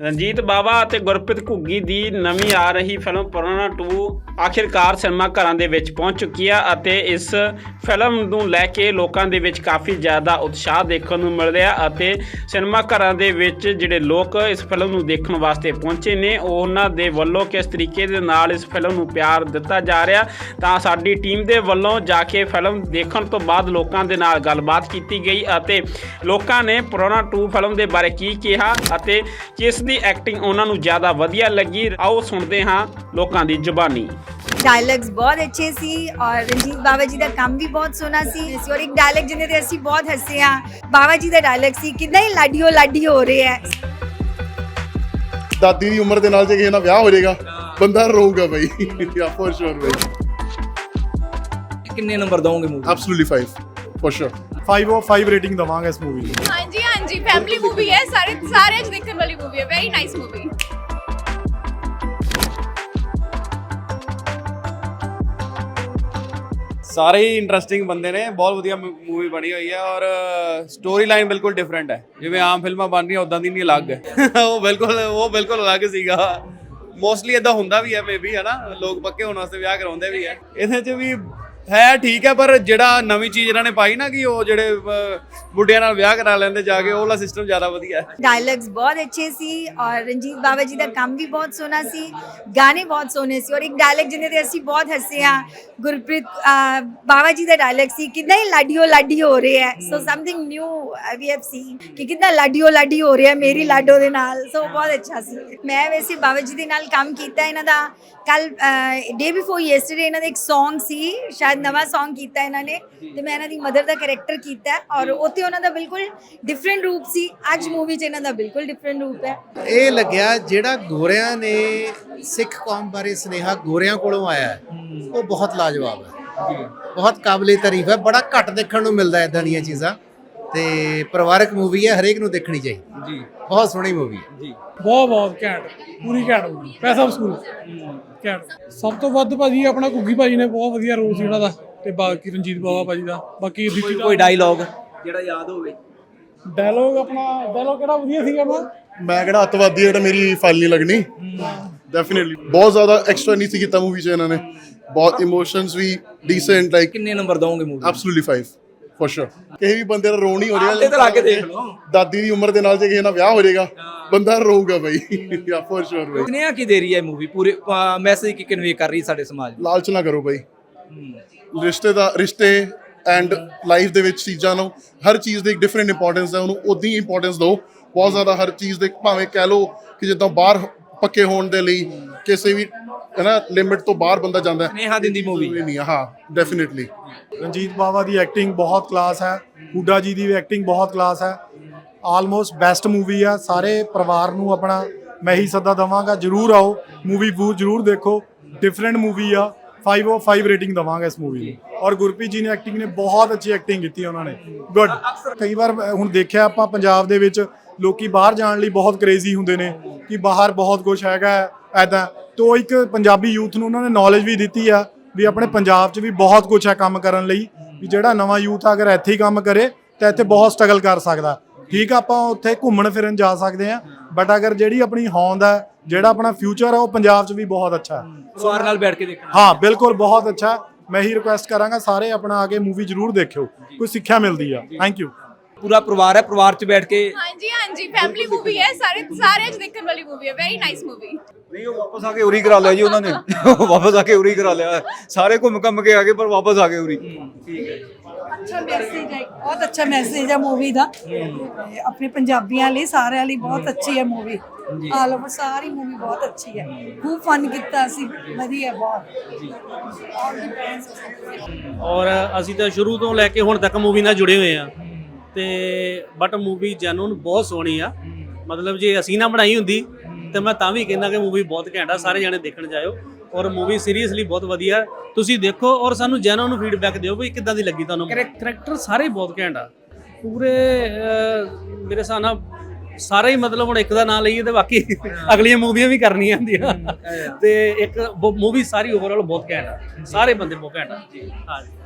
ਰਣਜੀਤ ਬਾਵਾ ਅਤੇ ਗੁਰਪ੍ਰੀਤ ਘੁੱਗੀ ਦੀ ਨਵੀਂ ਆ ਰਹੀ ਫਿਲਮ ਪੁਰਾਣਾ 2 ਆਖਿਰਕਾਰ ਸਿਨੇਮਾ ਘਰਾਂ ਦੇ ਵਿੱਚ ਪਹੁੰਚ ਚੁੱਕੀ ਆ ਅਤੇ ਇਸ ਫਿਲਮ ਨੂੰ ਲੈ ਕੇ ਲੋਕਾਂ ਦੇ ਵਿੱਚ ਕਾਫੀ ਜ਼ਿਆਦਾ ਉਤਸ਼ਾਹ ਦੇਖਣ ਨੂੰ ਮਿਲ ਰਿਹਾ ਅਤੇ ਸਿਨੇਮਾ ਘਰਾਂ ਦੇ ਵਿੱਚ ਜਿਹੜੇ ਲੋਕ ਇਸ ਫਿਲਮ ਨੂੰ ਦੇਖਣ ਵਾਸਤੇ ਪਹੁੰਚੇ ਨੇ ਉਹਨਾਂ ਦੇ ਵੱਲੋਂ ਕਿਸ ਤਰੀਕੇ ਦੇ ਨਾਲ ਇਸ ਫਿਲਮ ਨੂੰ ਪਿਆਰ ਦਿੱਤਾ ਜਾ ਰਿਹਾ ਤਾਂ ਸਾਡੀ ਟੀਮ ਦੇ ਵੱਲੋਂ ਜਾ ਕੇ ਫਿਲਮ ਦੇਖਣ ਤੋਂ ਬਾਅਦ ਲੋਕਾਂ ਦੇ ਨਾਲ ਗੱਲਬਾਤ ਕੀਤੀ ਗਈ ਅਤੇ ਲੋਕਾਂ ਨੇ ਪੁਰਾਣਾ 2 ਫਿਲਮ ਦੇ ਬਾਰੇ ਕੀ ਕਿਹਾ ਅਤੇ ਕਿਸ ਦੀ ਐਕਟਿੰਗ ਉਹਨਾਂ ਨੂੰ ਜ਼ਿਆਦਾ ਵਧੀਆ ਲੱਗੀ। ਆਓ ਸੁਣਦੇ ਹਾਂ ਲੋਕਾਂ ਦੀ ਜ਼ੁਬਾਨੀ। डायलॉग्स बहुत अच्छे सी और रंजीत बाबा जी का काम भी बहुत सोहना सी और एक डायलॉग जिन्हें ते असी बहुत हसे हाँ बाबा जी का डायलॉग सी कितना ही लाडी हो रहे है। ਦਾਦੀ ਦੀ ਉਮਰ ਦੇ ਨਾਲ ਜੇ ਕਿਸੇ ਨਾਲ ਵਿਆਹ ਹੋ ਜਾਏਗਾ ਬੰਦਾ ਰੋਊਗਾ ਬਾਈ ਯਾ ਫॉर श्योर ਬਾਈ। ਕਿੰਨੇ ਨੰਬਰ ਦਵੋਗੇ movie? Absolutely 5 for sure 5 of 5 rating ਦਵਾਂਗੇ ਇਸ ਮੂਵੀ ਨੂੰ। हाँ जी फैमिली मूवी है सारे देखने वाली मूवी है वेरी नाइस मूवी। ਸਾਰੇ ਹੀ ਇੰਟਰਸਟਿੰਗ ਬੰਦੇ ਨੇ ਬਹੁਤ ਵਧੀਆ ਮੂਵੀ ਬਣੀ ਹੋਈ ਹੈ ਔਰ ਸਟੋਰੀ ਲਾਈਨ ਬਿਲਕੁਲ ਡਿਫਰੈਂਟ ਹੈ ਜਿਵੇਂ ਆਮ ਫਿਲਮਾਂ ਬਣ ਰਹੀਆਂ ਉਦਾਂ ਦੀ ਨਹੀਂ ਅਲੱਗ ਹੈ ਉਹ ਬਿਲਕੁਲ ਅਲੱਗ ਸੀਗਾ ਮੋਸਟਲੀ ਇਦਾਂ ਹੁੰਦਾ ਵੀ ਹੈ ਮੇਬੀ ਹੈ ਨਾ ਲੋਕ ਪੱਕੇ ਹੋਣ ਵਾਸਤੇ ਵਿਆਹ ਕਰਾਉਂਦੇ ਵੀ ਹੈ ਇਹਦੇ 'ਚ ਵੀ ਹੈ ਠੀਕ ਹੈ ਪਰ ਜਿਹੜਾ ਨਵੀਂ ਚੀਜ਼ ਇਹਨਾਂ ਨੇ ਪਾਈ ਨਾ ਕਿ ਉਹ ਜਿਹੜੇ ਬੁੱਢਿਆਂ ਨਾਲ ਵਿਆਹ ਕਰਾ ਲੈਂਦੇ ਜਾ ਕੇ ਉਹ ਵਾਲਾ ਸਿਸਟਮ ਜ਼ਿਆਦਾ ਵਧੀਆ ਹੈ। डायलॉग्स बहुत अच्छे सी और रंजीत बाबा जी का काम भी बहुत सोहना सी गाने बहुत सोहने सी और एक डायलॉग जिन्हें ते असी बहुत हसे हाँ गुरप्रीत बाबा जी का डायलॉग सी कितना ही लाडी हो रहे है so something new we have seen कि कितना लाडी हो रहे है मेरी लाडो दे नाल सो बहुत अच्छा सी। मैं वैसे बाबा जी दे नाल काम कीता इन्हां दा कल डे बिफोर येस्टरडे इन्हां दा एक सॉन्ग सी शायद नवा सॉन्ग कीता इन्हां ने ते मैं इन्हां दी मदर दा कैरेक्टर कीता और उत्थे उन्हां दा बिल्कुल डिफरेंट रूप सी अज मूवी च इन्हां दा बिल्कुल डिफरेंट रूप है। ਇਹ ਲੱਗਿਆ ਜਿਹੜਾ ਗੋਰਿਆਂ ਨੇ ਸਿੱਖ ਕੌਮ ਬਾਰੇ ਸੁਨੇਹਾ ਗੋਰਿਆਂ ਕੋਲੋਂ ਆਇਆ ਹੈ, ਉਹ ਬਹੁਤ ਲਾਜਵਾਬ ਹੈ ਬਹੁਤ ਕਾਬਲੇ ਤਾਰੀਫ ਹੈ। ਬੜਾ ਘੱਟ ਦੇਖਣ ਨੂੰ ਮਿਲਦਾ ਇਦਾਂ ਦੀਆਂ ਚੀਜ਼ਾਂ ਤੇ ਪਰਿਵਾਰਕ ਮੂਵੀ ਹੈ ਹਰੇਕ ਨੂੰ ਦੇਖਣੀ ਚਾਹੀਦੀ ਜੀ ਬਹੁਤ ਸੋਹਣੀ ਮੂਵੀ ਹੈ ਜੀ ਬਹੁਤ ਘੈਂਟ ਪੂਰੀ ਘੈਂਟ ਮੂਵੀ ਪੈਸਾ ਵਸੂਲ ਘੈਂਟ। ਸਭ ਤੋਂ ਵੱਧ ਭਾਜੀ ਆਪਣਾ ਘੁੱਗੀ ਭਾਜੀ ਨੇ ਬਹੁਤ ਵਧੀਆ ਰੋਲ ਸੀ ਉਹਨਾਂ ਦਾ ਤੇ ਬਾਕੀ ਰਣਜੀਤ ਬਾਵਾ ਭਾਜੀ ਦਾ ਬਾਕੀ ਕੋਈ ਡਾਇਲੌਗ ਜਿਹੜਾ ਯਾਦ ਹੋਵੇ? ਡਾਇਲੌਗ ਕਿਹੜਾ ਵਧੀਆ ਸੀਗਾ ਮੈਂ ਕਿਹੜਾ ਅੱਤਵਾਦੀ ਜਿਹੜਾ ਮੇਰੀ ਫਾਈਲ ਨਹੀਂ ਲੱਗਣੀ ਡੈਫੀਨਿਟਲੀ ਬਹੁਤ ਜ਼ਿਆਦਾ ਐਕਸਟਰਾ ਨਹੀਂ ਸੀ ਕੀਤਾ ਮੂਵੀ 'ਚ ਇਹਨਾਂ ਨੇ ਬਹੁਤ ਇਮੋਸ਼ਨਸ ਵੀ ਡੀਸੈਂਟ ਲਾਈਕ ਕਿੰਨੇ ਨੰਬਰ ਦਵੋਗੇ ਮੂਵੀ? Absolutely 5 for sure. ਕਿਸੇ ਵੀ ਬੰਦੇ ਦਾ ਰੋ ਨਹੀਂ ਹੋ ਆਪਦੇ ਤਾਂ ਲਾ ਕੇ ਦੇਖ ਰਿਹਾ ਲਓ। ਦਾਦੀ ਦੀ ਉਮਰ ਦੇ ਨਾਲ ਜੇ ਕਿਸੇ ਨਾਲ ਵਿਆਹ ਹੋ ਜਾਏਗਾ ਬੰਦਾ ਰੋਊਗਾ ਬਾਈ ਯਾ ਫॉर श्योर ਬਾਈ। ਸੁਨੇਹਾ ਕੀ ਦੇ ਰਹੀ ਹੈ ਮੂਵੀ ਪੂਰੇ ਮੈਸੇਜ ਕੀ ਕਨਵੇ ਕਰ ਰਹੀ ਸਾਡੇ ਸਮਾਜ ਨੂੰ? ਲਾਲਚ ਨਾ ਕਰੋ ਬਾਈ ਰਿਸ਼ਤੇ ਐਂਡ ਲਾਈਫ ਦੇ ਵਿੱਚ ਚੀਜ਼ਾਂ ਨੂੰ ਹਰ ਚੀਜ਼ ਦੀ ਇੱਕ ਡਿਫਰੈਂਟ ਇੰਪੋਰਟੈਂਸ ਹੈ ਉਹਨੂੰ ਉਦਾਂ ਹੀ ਇੰਪੋਰਟੈਂਸ ਦਿਓ ਬਹੁਤ ਜ਼ਿਆਦਾ ਹਰ ਚੀਜ਼ ਦੇ ਭਾਵੇਂ ਕਹਿ ਲਓ ਕਿ ਜਿੱਦਾਂ ਬਾਹਰ ਪੱਕੇ ਹੋਣ ਦੇ ਲਈ ਕਿਸੇ ਵੀ ਹੈ ਨਾ ਲਿਮਿਟ ਤੋਂ ਬਾਹਰ ਬੰਦਾ ਜਾਂਦਾ ਹੈ ਸੁਨੇਹਾ ਦਿੰਦੀ ਮੂਵੀ ਨਹੀਂ ਹਾਂ ਡੈਫੀਨਿਟਲੀ। ਰਣਜੀਤ ਬਾਵਾ ਦੀ ਐਕਟਿੰਗ ਬਹੁਤ ਕਲਾਸ ਹੈ, ਹੁੱਡਾ ਜੀ ਦੀ ਵੀ ਐਕਟਿੰਗ ਬਹੁਤ ਕਲਾਸ ਹੈ। ਆਲਮੋਸਟ ਬੈਸਟ ਮੂਵੀ ਆ। ਸਾਰੇ ਪਰਿਵਾਰ ਨੂੰ ਆਪਣਾ ਮੈਂ ਹੀ ਸੱਦਾ ਦਵਾਂਗਾ ਜਰੂਰ ਆਓ ਮੂਵੀ ਜਰੂਰ ਦੇਖੋ ਡਿਫਰੈਂਟ ਮੂਵੀ ਆ। 5 of 5 ਰੇਟਿੰਗ ਦਵਾਂਗਾ ਇਸ ਮੂਵੀ ਨੂੰ ਔਰ ਗੁਰਪ੍ਰੀਤ ਜੀ ਨੇ ਐਕਟਿੰਗ ਨੇ ਬਹੁਤ ਅੱਛੀ ਐਕਟਿੰਗ ਕੀਤੀ ਉਹਨਾਂ ਨੇ ਗੁੱਡ। ਕਈ ਵਾਰ ਹੁਣ ਦੇਖਿਆ ਆਪਾਂ ਪੰਜਾਬ ਦੇ ਵਿੱਚ ਲੋਕੀ ਬਾਹਰ ਜਾਣ ਲਈ ਬਹੁਤ ਕ੍ਰੇਜ਼ੀ ਹੁੰਦੇ ਨੇ ਕਿ ਬਾਹਰ ਬਹੁਤ ਕੁਝ ਹੈਗਾ ਐਦਾਂ ਤੋਂ ਇੱਕ ਪੰਜਾਬੀ ਯੂਥ ਨੂੰ ਉਹਨਾਂ ਨੇ ਨੌਲੇਜ ਵੀ ਦਿੱਤੀ ਆ ਵੀ ਆਪਣੇ ਪੰਜਾਬ 'ਚ ਵੀ ਬਹੁਤ ਕੁਝ ਹੈ ਕੰਮ ਕਰਨ ਲਈ ਵੀ ਜਿਹੜਾ ਨਵਾਂ ਯੂਥ ਅਗਰ ਇੱਥੇ ਹੀ ਕੰਮ ਕਰੇ ਤਾਂ ਇੱਥੇ ਬਹੁਤ ਸਟਰਗਲ ਕਰ ਸਕਦਾ। ਠੀਕ ਆ ਆਪਾਂ ਉੱਥੇ ਘੁੰਮਣ ਫਿਰਨ ਜਾ ਸਕਦੇ ਆ ਬਟ ਅਗਰ ਜਿਹੜੀ ਆਪਣੀ ਹੋਂਦ ਹੈ ਜਿਹੜਾ ਆਪਣਾ ਫਿਊਚਰ ਹੈ ਉਹ ਪੰਜਾਬ 'ਚ ਵੀ ਬਹੁਤ ਅੱਛਾ ਹੈ। ਪਰਿਵਾਰ ਨਾਲ ਬੈਠ ਕੇ ਦੇਖਣਾ ਹਾਂ ਬਿਲਕੁਲ ਬਹੁਤ ਅੱਛਾ। ਮੈਂ ਹੀ ਰਿਕੁਐਸਟ ਕਰਾਂਗਾ ਸਾਰੇ ਆਪਣਾ ਆ ਕੇ ਮੂਵੀ ਜ਼ਰੂਰ ਦੇਖਿਓ ਕੋਈ ਸਿੱਖਿਆ ਮਿਲਦੀ ਆ। Thank you. ਪੂਰਾ ਪਰਿਵਾਰ ਹੈ ਪਰਿਵਾਰ 'ਚ ਬੈਠ ਕੇ हाँ जी फैमिली मूवी है सारे देखने वाली मूवी है वेरी नाइस मूवी। ਨਹੀਂ ਉਹ ਵਾਪਸ ਆ ਕੇ ਉਰੀ ਕਰਾ ਲਿਆ ਜੀ ਉਹਨਾਂ ਨੇ ਵਾਪਸ ਆ ਕੇ ਉਰੀ ਕਰਾ ਲਿਆ ਸਾਰੇ ਘੁੰਮ ਕੇ ਆ ਗਏ ਪਰ ਵਾਪਸ ਆ ਗਏ ਉਰੀ। ਅੱਛਾ ਮੈਸੇਜ ਹੈ ਬਹੁਤ ਅੱਛਾ ਮੈਸੇਜ ਹੈ ਮੂਵੀ ਦਾ ਆਪਣੇ ਪੰਜਾਬੀਆਂ ਲਈ ਸਾਰਿਆਂ ਲਈ ਬਹੁਤ ਅੱਛੀ ਹੈ ਮੂਵੀ ਆਲ ਓਵਰ ਸਾਰੀ ਮੂਵੀ ਬਹੁਤ ਅੱਛੀ ਹੈ ਖੂਬ ਫਨ ਕੀਤਾ ਸੀ ਵਧੀਆ ਬਹੁਤ ਔਰ ਅਸੀਂ ਤਾਂ ਸ਼ੁਰੂ ਤੋਂ ਲੈ ਕੇ ਹੁਣ ਤੱਕ ਮੂਵੀ ਨਾਲ ਜੁੜੇ ਹੋਏ ਆ ਤੇ ਬਟ ਮੂਵੀ ਜੈਨੂਨ ਬਹੁਤ ਸੋਹਣੀ ਆ ਮਤਲਬ ਜੇ ਅਸੀਂ ਨਾ ਬਣਾਈ ਹੁੰਦੀ ਤੇ ਮੈਂ ਤਾਂ ਵੀ ਕਹਿੰਦਾ ਕਿ ਮੂਵੀ ਬਹੁਤ ਘੈਂਟ ਆ ਸਾਰੇ ਜਾਣੇ ਦੇਖਣ ਜਾਇਓ ਔਰ ਮੂਵੀ ਸੀਰੀਅਸਲੀ ਬਹੁਤ ਵਧੀਆ ਤੁਸੀਂ ਦੇਖੋ ਔਰ ਸਾਨੂੰ ਜੈਨੂਨ ਫੀਡਬੈਕ ਦਿਓ ਵੀ ਕਿੱਦਾਂ ਦੀ ਲੱਗੀ ਤੁਹਾਨੂੰ। ਕਰੈਕਟਰ ਸਾਰੇ ਬਹੁਤ ਘੈਂਟ ਆ ਪੂਰੇ ਮੇਰੇ ਹਿਸਾਬ ਨਾਲ ਸਾਰੇ ਹੀ ਮਤਲਬ ਹੁਣ ਇੱਕ ਦਾ ਨਾਂ ਲਈਏ ਤੇ ਬਾਕੀ ਅਗਲੀਆਂ ਮੂਵੀਆਂ ਵੀ ਕਰਨੀਆਂ ਹੁੰਦੀਆਂ ਤੇ ਇੱਕ ਮੂਵੀ ਸਾਰੀ ਓਵਰਆਲ ਬਹੁਤ ਘੈਂਟ ਆ ਸਾਰੇ ਬੰਦੇ ਬਹੁਤ ਘੈਂਟ ਆ। ਹਾਂ।